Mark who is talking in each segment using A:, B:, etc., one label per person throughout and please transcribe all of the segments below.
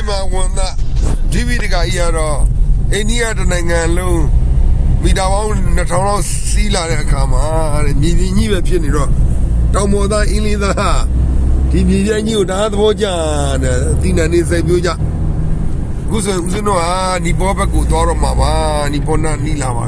A: mà quần ta TV thì cả giờ rồi India trên này ngàn luôn vì đào ông nó thằng nó xí lại cái cả mà nhìn như vậy phiền rồi tao mua ta in đi ta thì vì vậy nhiều đã thôi chứ tin là nên xây bây giờ cú sự nó đi bỏ bác cụ to rồi mà đi bỏ na đi làm mà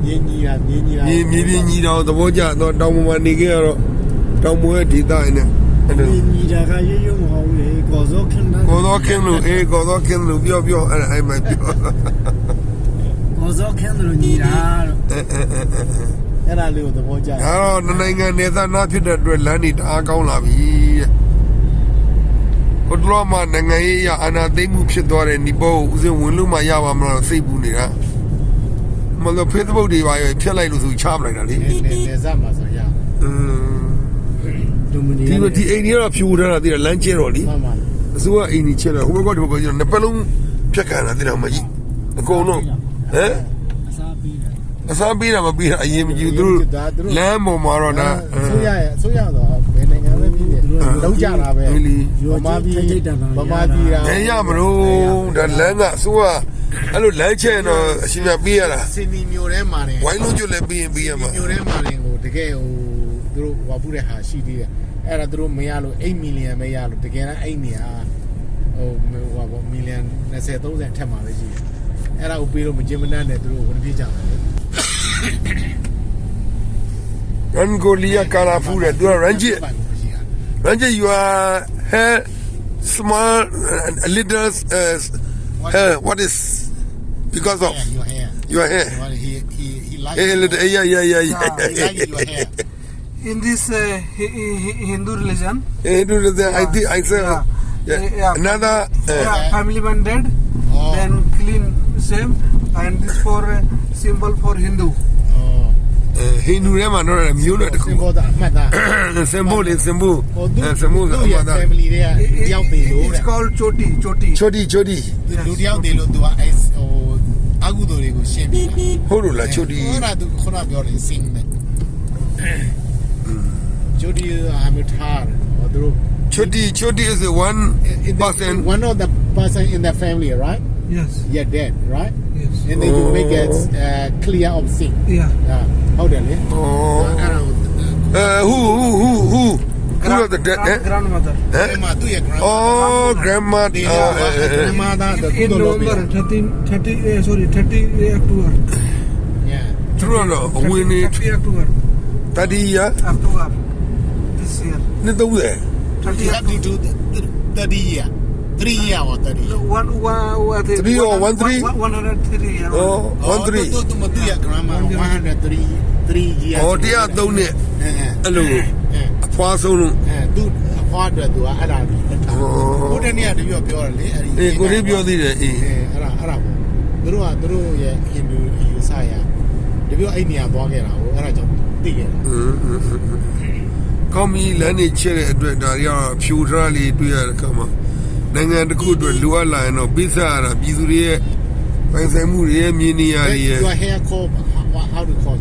A: nhìn đâu thôi chứ tao mua đi kia rồi tao mua thì ta này
B: nhìn ra cái gì cũng hậu để có gió
A: khen luôn biểu ai mà biểu
B: có gió khen rồi nhìn ra cái là liệu thôi chứ
A: đó này nghe người ta nói chuyện được là đi đã câu là vì còn lo mà ngày ya anh thấy mua chuyện đó này đi bao giờ muốn lúc mà ya mà xây bù này á mà nó Facebook đi vào phía này nó rồi chạm lại là đi
B: để ra mà sao ya
A: thì anh ấy là phiêu ra là thì là lăn chơi rồi đi số anh ấy chơi là không có được bao giờ nó phải luôn phía cả là thì nào mà gì cô nó sao biết là mà biết là gì mà chịu tôi làm một mà rồi nè
B: số ya đó bên này nghe biết đấu trả là về mà đi ra
A: thế ya mà luôn đã làm à số anh lúc lấy chơi nó xin là biết là
B: xin đi nhiều đấy mà này
A: quay luôn cho lấy biết mà
B: nhiều đấy mà này ngồi cái tôi vào bữa hà sĩ điအဲ့ဒါတို့မရလို့8 million ပဲရလို့တကယ်တမ်းအဲ့နေဟာဟိုပေါ့ million 20 30ထက်မှာပဲရှိတယ်အဲ့ဒါကိုပြီးတော့မကျင်းမနှမ်းနဲ့တို့ဝင်ပြေးကြတယ်
A: Angolia Karafuda do Ranjit you are hair small a little hair what is because of your hair
B: he like
A: yeah
B: he like your hair
C: in this Hindu religion
A: I think I say another
C: family man dead then clean same and this for symbol for Hindu
A: Hindu ထဲမှာတော့မျိုးနဲ့တခု
B: symbol အမှတ်သား
A: symbol
B: family တွေကတယောက်သေးလို့
C: it's called choti
A: choti
B: လူတယောက်သေးလို့သူကအဲဟိုအကုသိုလ်တွေကိုရှင်းပြတာ
A: ဟုတ်လို့လား choti
B: ဟောတာသူခုနပြောတယ် sing နဲ့ choti အမထားဟောသူတို့
A: choti is one person
B: one of the person in the family right
C: yes
B: yeah dead right
C: yes
B: and then you make it clear of sin
C: yeah
B: ဟုတ်တယ်လေ
A: who are the dead
C: grandmother
B: grandma သူရဲ့ grandma
A: grandma
B: grandmother
C: in November 30 October
B: yeah
A: true no when it
C: 30 October
A: 30 year
C: October this year
A: နှစ်သုံးတယ်
B: 30 year 3 year or 30
A: 3 or 13
C: 103 year
A: oh
B: 13သူရဲ့ grandma 103 year
A: ဟောတရားသုံးနဲ့အဲ့လိုအဖွားဆုံးလို့
B: သူအဖွားအတွက်သူကအဲ့ဒါကိုကိုတဲ့နေ့ကတပြပြောတယ်လေအဲ့ဒီ
A: အေးကိုလေးပြောသေးတယ်အေး
B: အဲ့ဒါပေါ့သူတို့ရဲ့ Hindu ယူဆရတပြအဲ့နေရာသွားခဲ့တာကိုအဲ့ဒါကြောင့်သိခဲ့တာ
A: ကောင်းပြီလမ်းနေချက်တဲ့အတွက်ဒါတွေကဖြူထားလေးတွေ့ရတဲ့အခါမှာနိုင်ငံတစ်ခုအတွက်လိုအပ်လာရင်တော့ပိဿရတာပြည်သူတွေရဲ့ပိုင်ဆိုင်မှုတွေရဲ့မြင်နေရတွေရဲ့
B: your hair call how to call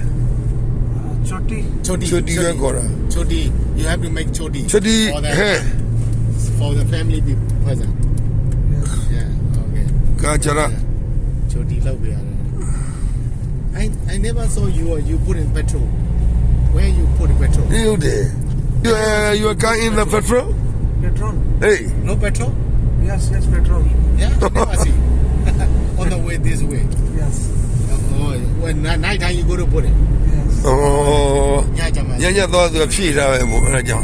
C: choti
A: ပဲခေါ်တာ
B: choti you have to make choti
A: hair
B: for the family be present yeah okay
A: ကာကြရာ
B: choti လောက်ပြရတယ် I never saw you put in petrol where you put in petrol
A: ဟုတ်တယ် you are car in the petrol hey
B: no petrol
C: yes petrol
B: yeah I never see on the way this way
C: yes
B: oh when night time you go to put it
C: yes
A: oh
B: ညကြမှာ
A: ညတော့သူဖြည့်ထားပဲပေါ့အဲ့ဒါကြောင့်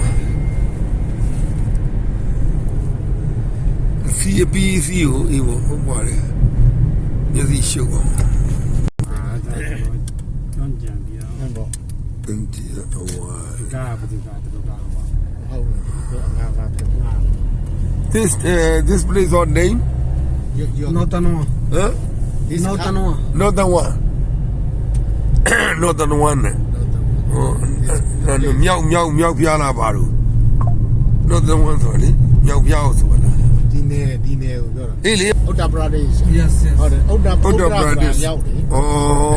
A: စီပီစီကိုအေးပေါ့ဟုတ်ပါတယ်မျက်စိရှုပ်အောင်
B: ဟုတ်ပေါ့
A: တင်တီအဝါ
B: ကားဘူးကားတူကားပါဟုတ်တယ်အငါကတည်းက
A: this place or name
C: Notanwa
A: huh Northern oneမြောက်ပြားလာပါလို့ Northern one ဆိုလေမြောက်ပြားဆိုလား
B: ဒီနယ်ကိုပြောတာ
A: အေးလေ
B: Uttar Pradesh
C: yes
B: ဟုတ်တယ်
A: Uttar Pradesh
B: ရောက်တယ်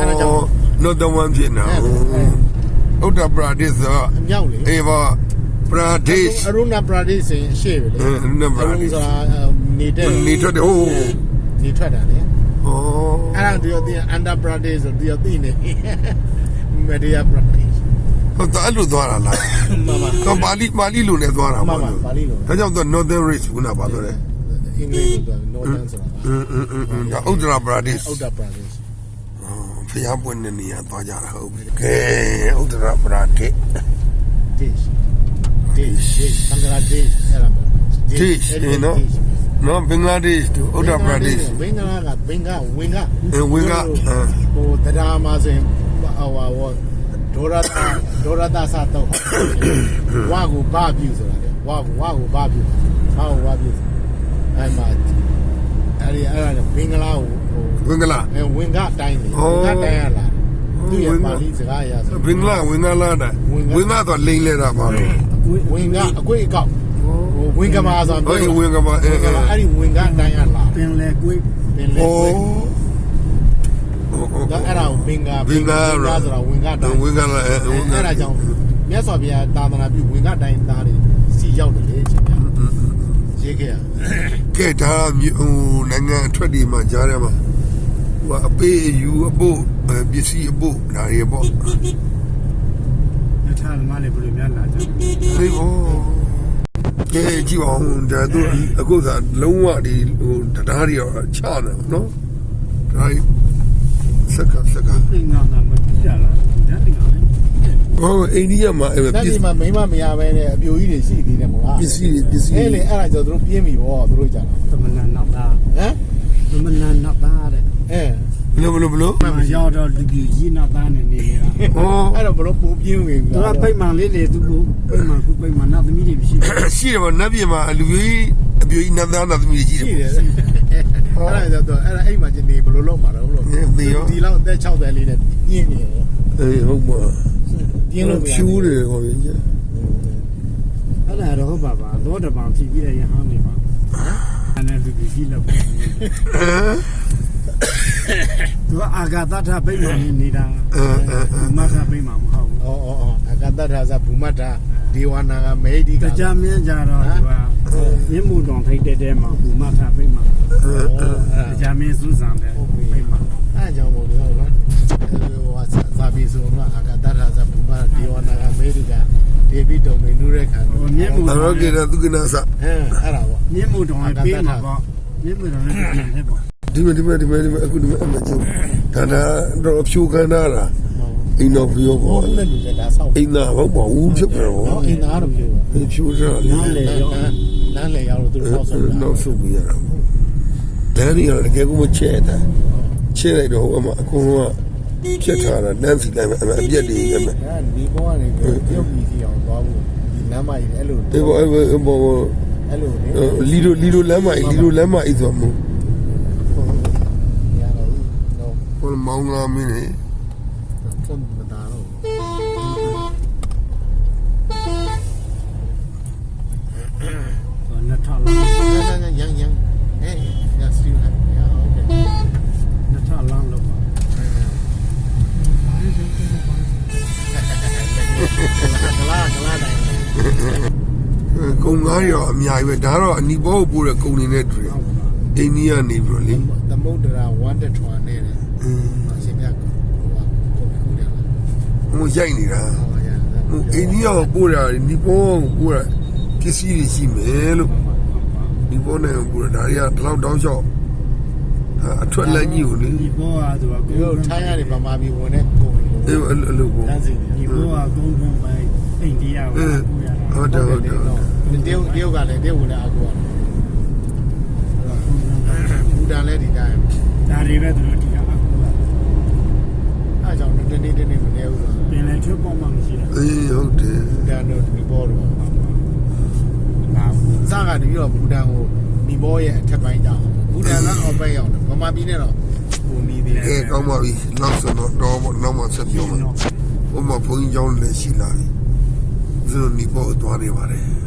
A: Northern one ဖြစ်နေUttar Pradesh ဆို
B: အမြောက်လေ
A: အေးပါပရာဒေ့ရှ်
B: အရုဏပရာဒေ့ရှ်ဆိုရင်ရှေ့ပဲလေ
A: အရုဏပရာဒေ့ရှ်
B: ဆိုတာနေတဲ့
A: နေထွက်တယ်ဟိုး
B: နေထွက်တာလေ
A: ဩ
B: အဲ့ဒါသူတို့ဒီအန်ဒါပရာဒေ့ရှ်ဆိုသူတို့သိနေမဒီယာပရာဒေ့ရှ်
A: ဟုတ်တယ်အဲ့လိုသွားတာလား
B: မမ
A: တော့ပါဠိလိုနဲ့သွားတာ
B: မ
A: ပါ
B: မ
A: လို့
B: ပါဠိလို
A: ဒါကြောင့်တော့ Northern Race ခုနပါတော့တယ်
B: အင်္ဂလိပ်လိုပြော Northern ဆိုတာ
A: ဒါဥဒ္ဒရာပရာဒေ့ရှ်
B: ဥဒ္ဒပရာဒေ့ရှ်
A: ဖျားပွင့်တဲ့နေရာသွားကြတာဟုတ်ပြီကဲဥဒ္ဒရာပရာဒေ့
B: dishဘင်္ဂလားဒေ့ရှ်အဲ့ဒါမျိုး
A: Dish နော် နော်ဘင်္ဂလားဒေ့ရှ်တို့ဥဒ္ဒရာပရာဒေ့ရှ်
B: ဘင်္ဂလားကဘင်္ဂဝင်က
A: ဝင်က
B: ဟိုတရားမှာဆိုရင်ဟိုဒေါရတာစာတော့ဝါကိုဘာပြူဆိုတာလေဝါကိုဘာပြူဘာပြူအဲ့မှာအဲ့ဒါဘင်္ဂလားကို
A: ဝင်ကလား
B: ဝင်ကတိုင်းလေဝင်ကတိုင်းရလားသူရဲ့ပါဠိစကားအရဆို
A: ဘင်္ဂလားဝင်ကလားတာဝင်ကတော့လိမ့်လဲတာပါတော့
B: ဝင်ကအကွေ့အကောက်ဟိုဝင်ကမာဆို
A: ဟုတ်ဝင်ကပါ
B: အဲ့ဒီဝင်ကတိုင်းရလား
C: ပင်လေကွေး
B: ပင်လေကွေ့ဒါအဲ့ဒါကိုဘင်္ဂဆိုတာဝင်ကတိုင်း
A: ဝင်ကလား
B: အဲ့ဒါကြောင့်မြတ်စွာဘုရားသာသနာပြုဝင်ကတိုင်းသားတွေစီရောက်တယ်လေချင်းပြရေးခဲ့ရ
A: ကဲဒါဟိုနိုင်ငံအထွက်ဒီမှာကြားရမှာဟိုအပေးယူအဖို့ပစ္စည်းအဖို့ဒါတွေပေါ့
C: ရထားသမားလေးဘယ်လိုများလာကြလဲ
A: ဒီဘောကဲကြည့်အောင်ဒါသူအခုသာလုံးဝဒီဟိုတရားတွေချတယ်နော်ဒါစက္က
C: ပင်ငါမပြီးရလားဒါတင်အောင်လေ
A: ဟိုအိန္ဒိယမှာအဲ့
B: ဒါဒီမှာမိမမရပဲနဲ့အပြိုကြီးတွေရှိသေးတယ်မို့လား
A: ပစ္စည်း
B: အဲ့လေအဲ့ဒါကြောင့်သူတို့ပြင်းပြီဗောသူတို့ကြတာ
C: သမဏနောက်သား
B: ဟမ်
C: သမဏနောက်သားတဲ့
B: အဲ
A: ဘလို့
C: မရောက်တော့လူကြီးကြီးနောက်သားနဲ့နေနေတာ
A: ဟော
B: အဲ့တော့ဘလို့ပုံပြင်းဝင်
C: သူကပိတ်မှန်လေးလေသူကပိတ်မှန်ခုပိတ်မှန်နောက်သမီးတွေမရှိဘူး
A: ရှိတယ်ဗောနတ်ပြည်မှာလူကြီးအပြိုကြီးနတ်သားနတ်သမီးကြီး
B: ရှိ
A: တယ်
B: တယ်အဲ့ဒါကြောင့်အဲ့ဒါအိမ်မှာကျနေဘလို့လုံးမှာတော့လို့ဒီလောက်အသက်60လေးနဲ့ပြင်းနေတယ်
A: အေးဟုတ်ပါ
B: ပြင်းလို့မရ
A: ဖြူးတယ်ဟောကြီး
C: အဲ့ဒါတော့ဟုတ်ပါပါသောတပံဖြီးပြီးတဲ့ရဟန်းနေပါအဲ့ဒါလူကြီးလောက်သူကအာဂတထပိတ်မှန်နေတာမထပိတ်မှန်မဟုတ်ဘူး
B: ဩအကတ္တထာဇဘူမတ္ထဒေဝနာကမေဟိက
C: တရားမင်းကြတော့သူကမြင့်မှုတော်ထိတ်တဲ့မှာဘူမထပိတ်မှန်တရားမင်းစူးစံတယ်ပိတ်မှန်
B: အဲ့ကြောင့်မို့လို့နော်ဟိုသာဘီဆိုတော့အကတ္တထာဇဘူမဒေဝနာကမေဟိကဒေဘိတုံမေနုရခန္ဓာ
C: မြင့်မှု
A: အရောကေရသူကနာစ
B: အဲ့ဒါပေါ့
C: မြင့်မှုတော်ပေးမှာပေါ့မြင့်မှုတော်လည်းပြင်တယ်ပေါ့
A: ဒီမအခုဒီမအမကျဒါတော့ဖြူခန္ဓာလားအိမ်တော်ဖြူ
B: ဟို
A: ပေါ့
B: လည်းလူကဒါဆောက်
A: အိမ်သာဟုတ်ပါဘူးဖြစ်တယ်ဗော
B: နော်အင်းသားတော့ပြောပါ
A: ဖြူစားလေ
B: လမ်းလေရောက်လို့သူတို့ဆောက်ဆုံးတာ
A: နောက်ဆုတ်ပြီးရတာပေါ့လမ်းကြီးတော့တကယ်ကိုမချဲတာချဲလိုက်တော့ဟိုအမအကုန်လုံးကဖြတ်ထားတာနန်းစီတိုင်းမှာအပြက်တွေပဲ
B: ဒါဒီဘောကနေပြုတ်ပြီးစီအောင်သွားဖို့ဒီလမ်းမကြီးအဲ့လို
A: အေးဘောဘော
B: အဲ့လိုလေ
A: လီလိုလမ်းမကြီးဆိုမှ
B: ရတော့နော်
A: ဟိုမောင်လာမင်းလေ
B: ဖွင့်မတာတော့
C: နှစ်ထလမ်း
B: ရန်ဟဲ့ရစတီးလိုက်ရโอเค
C: နှစ်ထလမ်းလို့ပါ
B: ကလာတိုင်း
A: ကုံငါးရောအများကြီးပဲဒါတော့အနီဘောကိုပို့တဲ့ကုံနေနဲ့တွေ့အိန္ဒိယနေပြီးတော့လေ
B: သမုဒ္ဒရာဝန္တထွာနဲ့တယ်အရှင်မြတ်ကိုကူတယ်လား
A: ဟိုရိုက်နေတာ
B: ဟောရ
A: ဟိုအိန္ဒိယကိုပို့တာနီဘောကိုပို့တာပစ္စည်းတွေရှိမယ်လို့နီဘောနဲ့ပို့တာဒါတွေကဒီလောက်တောင်းလျှောက်အထွက်လက်ကြီးကိုလေ
C: ဒီဘောကသူက
B: ဒီလိုထိုင်းရတယ်ဗမာပြည်ဝင်တဲ့ကုန်တွေ
A: အေးအဲ့လိုပေါ့
B: တန်းစီနေ
C: ဒီဘောကကုန်းကုန်းပဲအိန္ဒိယကိုကူရတာ
A: ဟုတ်တယ်ဟုတ်တယ်
B: တရုတ်ကလည်းတရုတ်ဝင်တဲ့အကူကဘူတန်လည်းဒီတိုင်း
C: ဒါတွေပဲသူတို့ဒီကအကူက
B: အားကြောင့်တနေ့မနေဘူး
C: ပင်လည်းထွက်ပေါ်မှမရှိတာ
A: အေးဟုတ်တယ်
B: ဘူတန်တို့ဒီဘောတို့
C: လာဘူး
B: စကနေပြီးတော့ဘူတန်ကိုဒီဘောရဲ့အထက်ပိုင်းကြောင်းဘူတန်ကအောက်ပိုင်းရောက်တယ်ဗမာပြည်နဲ့တော့ဟိုနီးသေးတယ်
A: ကဲကောင်းပါပြီနောက်ဆိုတော့နောက်မှဆက်ပြောမယ်ဟိုမှာဘုန်းကြီးကျောင်းလည်းရှိလာပြီသူတို့နီဘောသွားနေပါတယ်